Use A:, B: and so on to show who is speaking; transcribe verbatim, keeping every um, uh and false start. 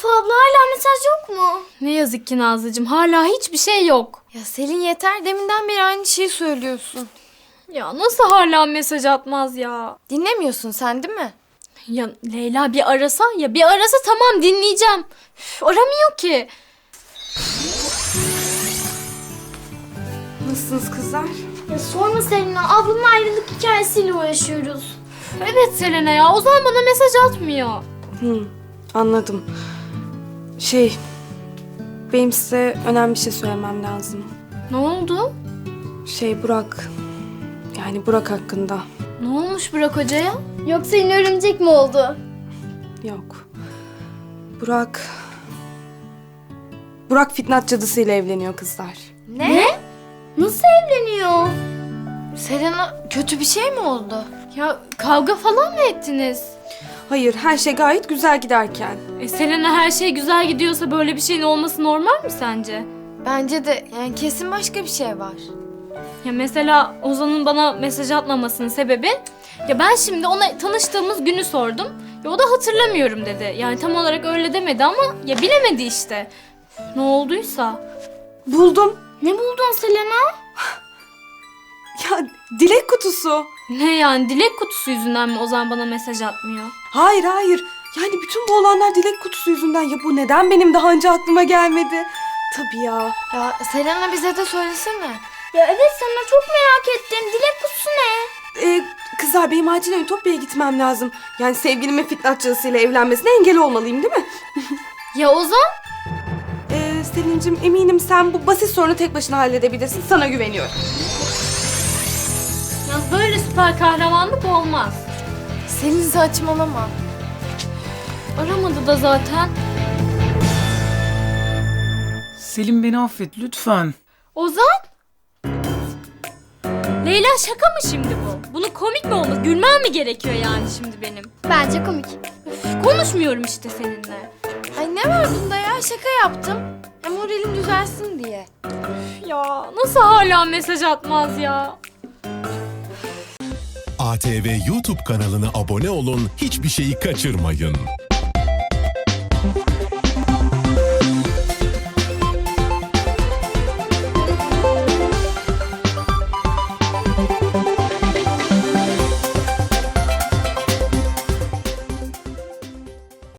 A: abla hala mesaj yok mu?
B: Ne yazık ki Nazlıcığım, hala hiçbir şey yok.
A: Ya Selin yeter, deminden beri aynı şeyi söylüyorsun.
B: Ya nasıl hala mesaj atmaz ya?
A: Dinlemiyorsun sen değil mi?
B: Ya Leyla bir arasa, ya bir arasa tamam dinleyeceğim. Üf, aramıyor ki.
C: Nasılsınız kızlar?
A: Ya sorma Selina, ablamın ayrılık hikayesiyle uğraşıyoruz.
B: Evet Selena ya, Ozan bana mesaj atmıyor.
C: Hı, anladım. Şey, benim size önemli bir şey söylemem lazım.
B: Ne oldu?
C: Şey Burak, yani Burak hakkında.
B: Ne olmuş Burak Hoca'ya?
A: Yoksa yine örümcek mi oldu?
C: Yok. Burak... Burak Fitnat cadısıyla evleniyor kızlar.
A: Ne? Nasıl evleniyor? Selena, kötü bir şey mi oldu?
B: Ya kavga falan mı ettiniz?
C: Hayır, her şey gayet güzel giderken.
B: E Selena, her şey güzel gidiyorsa böyle bir şeyin olması normal mi sence?
A: Bence de, yani kesin başka bir şey var.
B: Ya mesela Ozan'ın bana mesaj atmamasının sebebi... Ya ben şimdi ona tanıştığımız günü sordum. Ya o da hatırlamıyorum dedi. Yani tam olarak öyle demedi ama ya bilemedi işte. Üf, ne olduysa.
C: Buldum.
A: Ne buldun Selena?
C: Ya dilek kutusu.
B: Ne yani, dilek kutusu yüzünden mi Ozan bana mesaj atmıyor?
C: Hayır hayır. Yani bütün bu olanlar dilek kutusu yüzünden. Ya bu neden benim daha önce aklıma gelmedi? Tabii ya.
A: Ya Selena, bize de söylesene.
D: Ya evet, sana çok merak ettim. Dilek kutusu ne?
C: Ee, kızlar benim acilen Ütopya'ya gitmem lazım. Yani sevgilimin Fitnat cadısıyla evlenmesine engel olmalıyım değil mi?
B: Ya Ozan?
C: Ee, Selin'cim eminim sen bu basit sorunu tek başına halledebilirsin. Sana güveniyorum.
B: Ya böyle süper kahramanlık olmaz.
A: Selin, saçmalama.
B: Aramadı da zaten.
E: Selim, beni affet lütfen.
B: Ozan? Leyla, şaka mı şimdi bu? Bunun komik mi olması? Gülmem mi gerekiyor yani şimdi benim?
D: Bence komik.
B: Üf, konuşmuyorum işte seninle.
A: Ay ne var bunda ya? Şaka yaptım. Ya moralim düzelsin diye.
B: Ya nasıl hala mesaj atmaz ya?
F: A T V YouTube kanalına abone olun, hiçbir şeyi kaçırmayın.